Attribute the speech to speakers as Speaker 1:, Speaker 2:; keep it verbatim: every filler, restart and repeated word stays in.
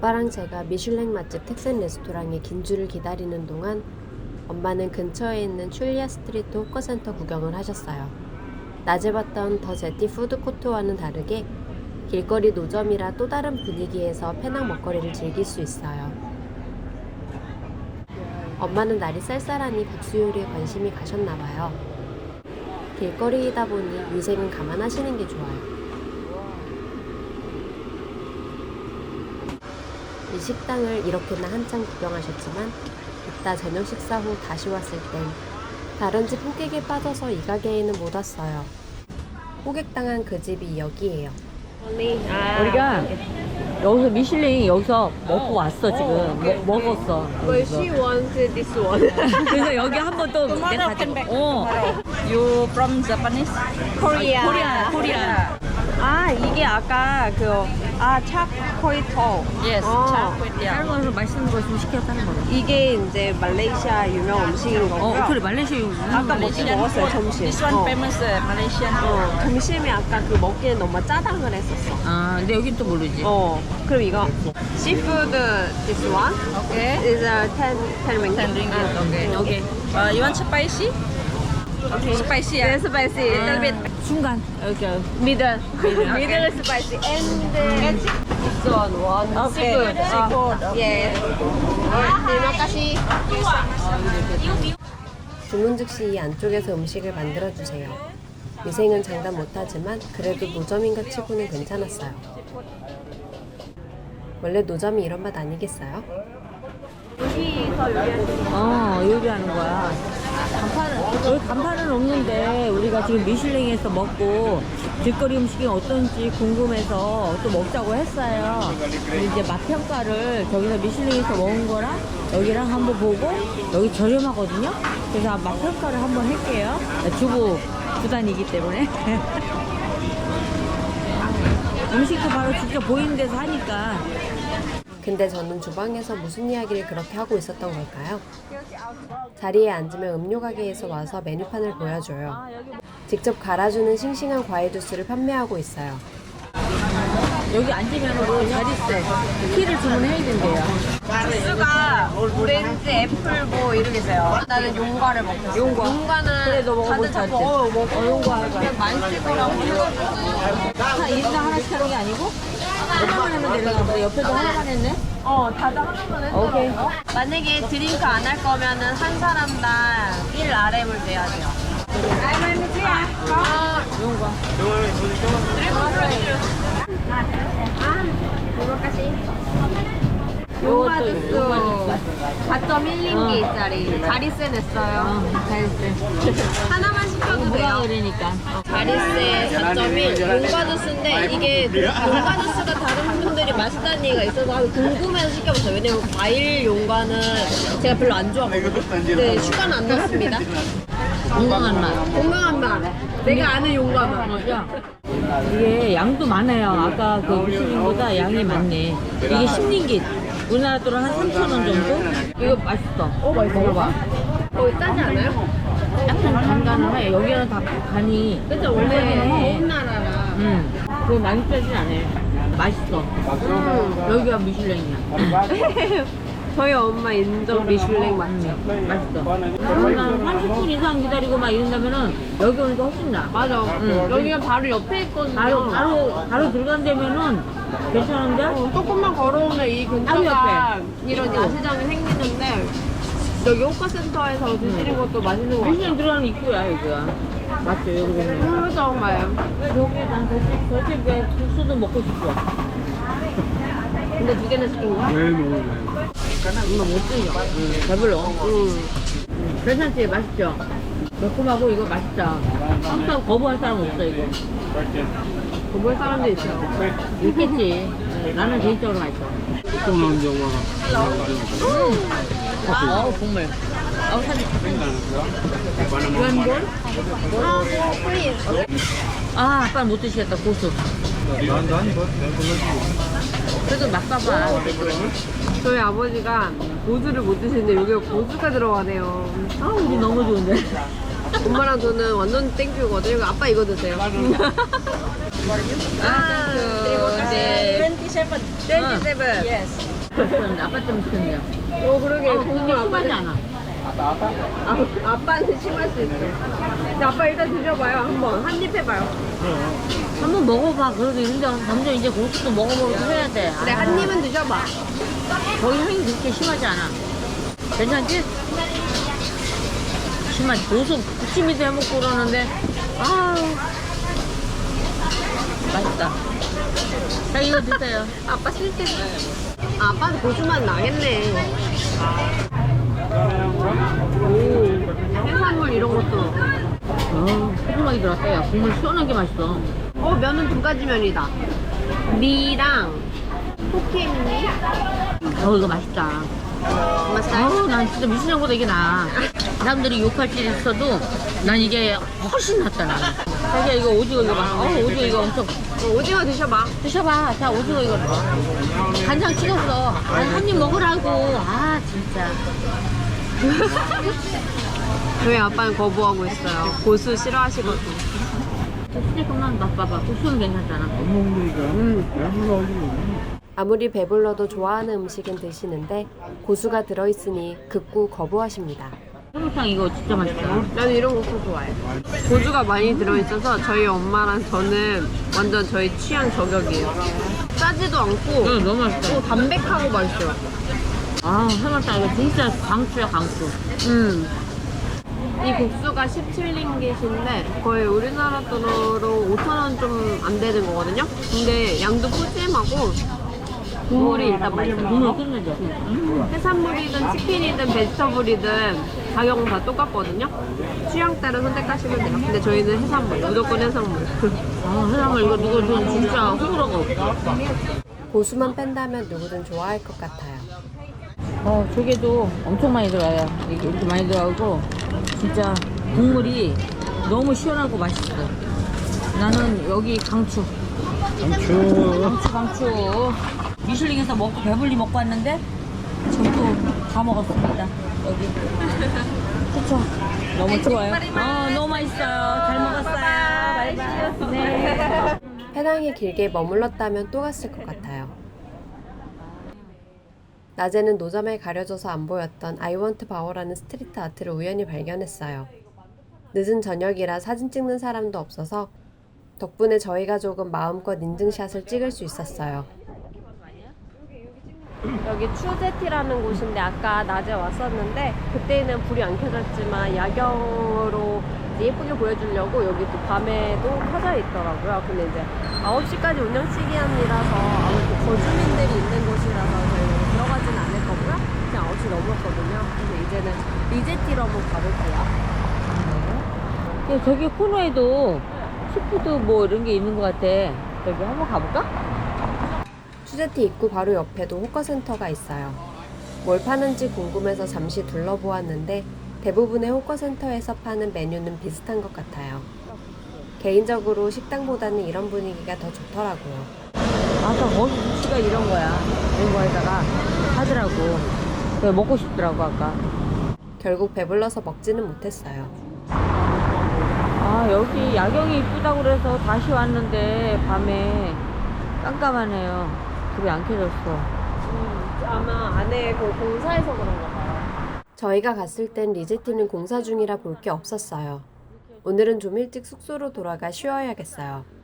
Speaker 1: 아빠랑 제가 미슐랭 맛집 텍산 레스토랑에 긴 줄을 기다리는 동안 엄마는 근처에 있는 출리아 스트리트 호커센터 구경을 하셨어요. 낮에 봤던 더 제티 푸드코트와는 다르게 길거리 노점이라 또 다른 분위기에서 페낭 먹거리를 즐길 수 있어요. 엄마는 날이 쌀쌀하니 국수 요리에 관심이 가셨나봐요. 길거리이다 보니 위생은 감안하시는 게 좋아요. 이 식당을 이렇게나 한참 구경하셨지만 이따 저녁 식사 후 다시 왔을 땐 다른 집 호객에 빠져서 이 가게에는 못 왔어요. 호객당한 그 집이 여기예요.
Speaker 2: 우리가 여기서 미슐랭 여기서 먹고 왔어 지금. 먹, 먹었어.
Speaker 3: But she wants this one.
Speaker 2: 그래서 여기 한 번 또 내가 가지고. 어.
Speaker 4: You from Japanese?
Speaker 3: Korea.
Speaker 2: 코리아, 코리아.
Speaker 3: 아 이게 아까 그아 차코이토.
Speaker 4: Yes,
Speaker 3: 어.
Speaker 4: char kway teow.
Speaker 2: 다른 거에서 맛있는 거 좀 시켰다는 거네.
Speaker 3: 이게 이제 말레이시아 유명 음식인 거고요.
Speaker 2: 어, 그래 말레이시아 유명.
Speaker 3: 아까 먹긴 먹었어요 점심.
Speaker 4: This one
Speaker 3: 어.
Speaker 4: famous uh, Malaysian.
Speaker 3: 어, 점심에 아까 그 먹기엔 너무 짜장을 했었어.
Speaker 2: 아, 근데 여긴 또 모르지.
Speaker 3: 어, 그럼 이거 seafood this one
Speaker 4: Okay.
Speaker 3: is a ten ten ringgit.
Speaker 4: ten ringgit. Okay.
Speaker 2: 오케이.
Speaker 4: Uh, you want spicy?
Speaker 3: Okay.
Speaker 4: Spicy,
Speaker 3: Yeah,
Speaker 4: yeah.
Speaker 3: spicy. A little bit
Speaker 2: 중간. 이렇게.
Speaker 3: middle.
Speaker 2: Middle,
Speaker 3: Middle is spicy and uh, this one one
Speaker 4: Okay.
Speaker 3: seafood.
Speaker 4: Seafood,
Speaker 3: Uh, yes. Terima kasih.
Speaker 1: 주문 즉시 이 안쪽에서 음식을 만들어주세요. 위생은 장담 못하지만 그래도 노점인가 치고는 괜찮았어요. 원래 노점이 이런 맛 아니겠어요?
Speaker 2: 어, 요리하는 거야. 간판은, 여기 간판은 없는데, 우리가 지금 미슐랭에서 먹고, 길거리 음식이 어떤지 궁금해서 또 먹자고 했어요. 근데 이제 맛 평가를 저기서 미슐랭에서 먹은 거랑 여기랑 한번 보고, 여기 저렴하거든요? 그래서 맛 평가를 한번 할게요. 주부 구단이기 때문에. 음식도 바로 직접 보이는 데서 하니까.
Speaker 1: 근데 저는 주방에서 무슨 이야기를 그렇게 하고 있었던 걸까요? 자리에 앉으면 음료 가게에서 와서 메뉴판을 보여줘요. 직접 갈아주는 싱싱한 과일 주스를 판매하고 있어요.
Speaker 2: 여기 앉으면 자리세 키를 주문해야 된대요.
Speaker 3: 주스가 오렌지, 애플 뭐 이런 게 있어요. 나는 용과를 먹고. 용과. 용과는
Speaker 2: 그래, 너 먹어볼
Speaker 3: 다들 자꾸
Speaker 2: 줄 알지?
Speaker 3: 어, 먹어.
Speaker 2: 어, 용과 하자.
Speaker 3: 그냥 많이 찍으라고 해가지고.
Speaker 2: 한 일인당 하나씩 하는 게 아니고 하나만 하면 되는 거보다 옆에도 하나만 했네?
Speaker 3: 어, 다들 하나만 해서.
Speaker 2: 오케이.
Speaker 3: 만약에 드링크 안 할 거면은 한 사람당 일 알엠을 내야 돼요. 아,
Speaker 2: 용과.
Speaker 3: 용과
Speaker 2: 요것도
Speaker 3: 주스
Speaker 2: 용과
Speaker 3: 사 점 일 링기짜리 자리세 냈어요.
Speaker 2: 어, 잘했어.
Speaker 3: 하나만 시켜도
Speaker 2: 뭐라
Speaker 3: 돼요.
Speaker 2: 그러니까.
Speaker 3: 자리세 사 점 일 용과 주스인데 이게 용과 주스가 다른 분들이 맛있다는 얘기가 있어서 궁금해서 시켜봤어요. 왜냐면 과일 용과는 제가 별로 안 좋아하거든요. 네, 슈가는 안 넣었습니다.
Speaker 2: 건강한 맛.
Speaker 3: 건강한 맛. 내가 아는 용과 맛.
Speaker 2: 어, 야. 이게 양도 많아요. 아까 그 미슐랭보다 양이 많네. 이게 십 링깃. 우리나라 돈으로 한 삼천 원 정도? 이거 맛있어. 어, 맛있어. 먹어봐.
Speaker 3: 거의 싸지 않아요?
Speaker 2: 약간 간간해. 여기는 다 간이.
Speaker 3: 그쵸, 원래
Speaker 2: 해.
Speaker 3: 더운 나라라.
Speaker 2: 응. 그거 많이 짜진 않아요. 맛있어. 음. 여기가 미슐랭이야.
Speaker 3: 저희 엄마 인정 미슐랭 맛집.
Speaker 2: 맛있어. 한 삼십 분 이상 기다리고 막 이런다면은 여기 오니까 훨씬 나.
Speaker 3: 맞아.
Speaker 2: 응.
Speaker 3: 여기가 바로 옆에 있거든요.
Speaker 2: 바로, 바로, 바로 들어간다면은 괜찮은데?
Speaker 3: 어, 조금만 걸어오면 이 근처가 이런 야시장이 생기는데 여기 호카센터에서 드시는 것도 맛있는 거 같아요.
Speaker 2: 미슐랭 들어가는 입구야, 여기가. 맞죠, 여기 보면.
Speaker 3: 음, 정말.
Speaker 2: 여기 난 저집, 저집에 국수도 먹고 싶어.
Speaker 3: 근데 두 개나 시킨 거야?
Speaker 2: 엄마 못 드려. 배불러. 응. 괜찮지? 맛있죠? 매콤하고 이거 맛있다. 항상 거부할 사람 없어, 이거.
Speaker 3: 거부할 사람도 있어요.
Speaker 2: 있겠지. 네, 나는 개인적으로 맛있어. 아, 국물. 아, 사진. 유한볼?
Speaker 3: 아, 플리즈.
Speaker 2: 아, 아빠는 못 드시겠다, 고수. 그래도 맛봐봐.
Speaker 3: 저희 아버지가 고수를 못 드시는데 여기에 고수가 들어가네요.
Speaker 2: 아, 우리 너무 좋은데.
Speaker 3: 엄마랑 저는 완전 땡큐거든요. 이거 아빠 이거 드세요.
Speaker 2: 아, 그, 네.
Speaker 4: twenty-seven.
Speaker 3: twenty-seven.
Speaker 4: Yes.
Speaker 2: 그런데 아빠 때문에 시켰네요.
Speaker 3: 어 그러게
Speaker 2: 어,
Speaker 3: 국물
Speaker 2: 그게 심하지
Speaker 3: 아빠는
Speaker 2: 않아.
Speaker 3: 아, 아빠한테 심할 수 있어. 근데 아빠 일단 드셔봐요 한번 한 입 해봐요.
Speaker 2: 한번 먹어봐. 그래도 인정. 점점 이제 고수도 먹어보고 해야 돼.
Speaker 3: 그래
Speaker 2: 아,
Speaker 3: 한 입은 드셔봐.
Speaker 2: 거의 향이 그렇게 심하지 않아. 괜찮지? 심하지. 고수 부침이도 해먹고 그러는데 아 맛있다. 자 이거 드세요.
Speaker 3: 아빠 쓸데 아, 아빠는 고수만 나겠네. 오 해산물 이런 것도.
Speaker 2: 어, 소금하게 들어갔어요. 국물 시원한 게 맛있어.
Speaker 3: 어 면은 두 가지 면이다. 미랑 포케미.
Speaker 2: 어 이거 맛있다.
Speaker 3: 맛있어요?
Speaker 2: 어우 난 진짜 미술형보다 이게 나아. 사람들이 욕할 줄 있어도 난 이게 훨씬 낫다 나는. 자기야 이거 오징어 이거 봐. 어 오징어 이거 엄청
Speaker 3: 어, 오징어 드셔봐.
Speaker 2: 드셔봐. 자 오징어 이거 넣어. 간장 찍었어. 한 입 먹으라고. 아 진짜.
Speaker 3: 저희 아빠는 거부하고 있어요. 고수 싫어하시거든.
Speaker 2: 조금만 맛봐봐. 국수는 괜찮잖아.
Speaker 1: 아무리 배불러도 좋아하는 음식은 드시는데 고수가 들어있으니 극구 거부하십니다.
Speaker 2: 해물탕 이거 진짜 맛있다.
Speaker 3: 나는 이런 고수 좋아해. 고수가 많이 들어있어서 저희 엄마랑 저는 완전 저희 취향 저격이에요. 짜지도 않고
Speaker 2: 응 너무 맛있다.
Speaker 3: 또 담백하고 맛있어요.
Speaker 2: 아 해물탕 이거 진짜 강추야 강추.
Speaker 3: 음. 이 국수가 십칠 링깃인데 거의 우리나라 돈으로 오천 원 좀 안 되는 거거든요. 근데 양도 푸짐하고 국물이 일단 맛있어요.
Speaker 2: 국물 끝내줘. 음.
Speaker 3: 해산물이든 치킨이든 베지터블이든 가격은 다 똑같거든요. 취향 따라 선택하시면 돼요. 근데 저희는 해산물, 무조건 해산물.
Speaker 2: 아 해산물 이거 이거 좀 진짜 호불호가 없어.
Speaker 1: 고수만 뺀다면 누구든 좋아할 것 같아요.
Speaker 2: 어 조개도 엄청 많이 들어가요. 이게 이렇게 많이 들어가고 진짜 국물이 너무 시원하고 맛있어. 나는 여기 강추. 강추. 강추 강추. 미슐링에서 먹고 배불리 먹고 왔는데 전부 다 먹었습니다. 여기. 그쵸? 너무 좋아요. 어 너무 맛있어요. 잘 먹었어요. 바이바이. 네.
Speaker 1: 페낭에 길게 머물렀다면 또 갔을 것 같아요. 낮에는 노점에 가려져서 안 보였던 I want power라는 스트리트 아트를 우연히 발견했어요. 늦은 저녁이라 사진 찍는 사람도 없어서 덕분에 저희가 조금 마음껏 인증샷을 찍을 수 있었어요.
Speaker 3: 여기 추제티라는 곳인데 아까 낮에 왔었는데 그때는 불이 안 켜졌지만 야경으로 이제 예쁘게 보여주려고 여기 또 밤에도 켜져 있더라고요. 근데 이제 아홉 시까지 운영 시간이라서 아무래도 거주민들이 있는 곳이라서 저희는 들어가진 않을 거고요. 그냥 아홉 시 넘었거든요. 그래서 이제는 리제티로 한번 가볼게요.
Speaker 2: 야, 저기 코너에도 시푸드 뭐 이런 게 있는 것 같아. 여기 한번 가볼까?
Speaker 1: 추제티 입구 바로 옆에도 호커센터가 있어요. 뭘 파는지 궁금해서 잠시 둘러보았는데 대부분의 호커센터에서 파는 메뉴는 비슷한 것 같아요. 개인적으로 식당보다는 이런 분위기가 더 좋더라고요.
Speaker 2: 아까 거기 위치가 이런 거야. 이런 거에다가 하더라고. 그래서 먹고 싶더라고 아까.
Speaker 1: 결국 배불러서 먹지는 못했어요.
Speaker 2: 아 여기 야경이 이쁘다고 그래서 다시 왔는데 밤에 깜깜하네요. 불이 안 켜졌어.
Speaker 3: 음, 아마 안에 그 공사해서 그런가 봐요.
Speaker 1: 저희가 갔을 땐 리제티는 공사 중이라 볼 게 없었어요. 오늘은 좀 일찍 숙소로 돌아가 쉬어야겠어요.